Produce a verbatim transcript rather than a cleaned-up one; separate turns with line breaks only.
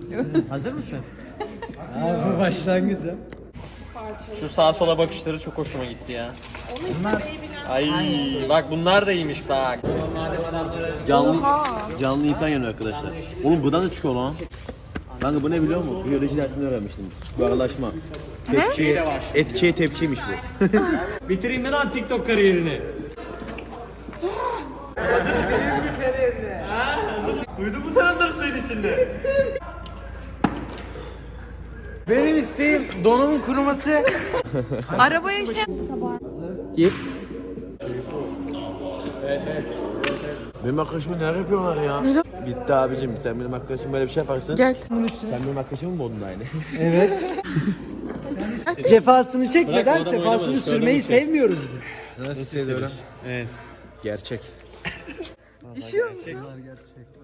Hazır mısın?
Abi başlangıç ha.
Şu sağa sola bakışları çok hoşuma gitti ya.
Onu istemeyi bilen.
Ay bak bunlar da iyiymiş bak.
Canlı, canlı insan yanıyor arkadaşlar. Oğlum buradan da çıkıyor lan. Kanka bu ne biliyor musun? Biyoloji dersinde öğrenmiştim. Buharlaşma. Tepki, etkiye tepkiymiş bu.
Bitireyim mi lan TikTok kariyerini?
Duydun mu sen onları suyun içinde?
Benim isteğim donumun kuruması.
Arabaya şey...
Gir.
Benim arkadaşıma neler yapıyorlar ya? Bitti abicim, sen benim arkadaşım böyle bir şey yaparsın.
Gel.
Sen benim arkadaşımı mı bozdun aynı?
Evet. Cefasını çekmeden
Bırak, o adam
sefasını
oynamadı,
sürmeyi
şu adam
sevmiyoruz biz.
Nasıl hissediyorum?
Evet.
Gerçek.
İşiyor musun?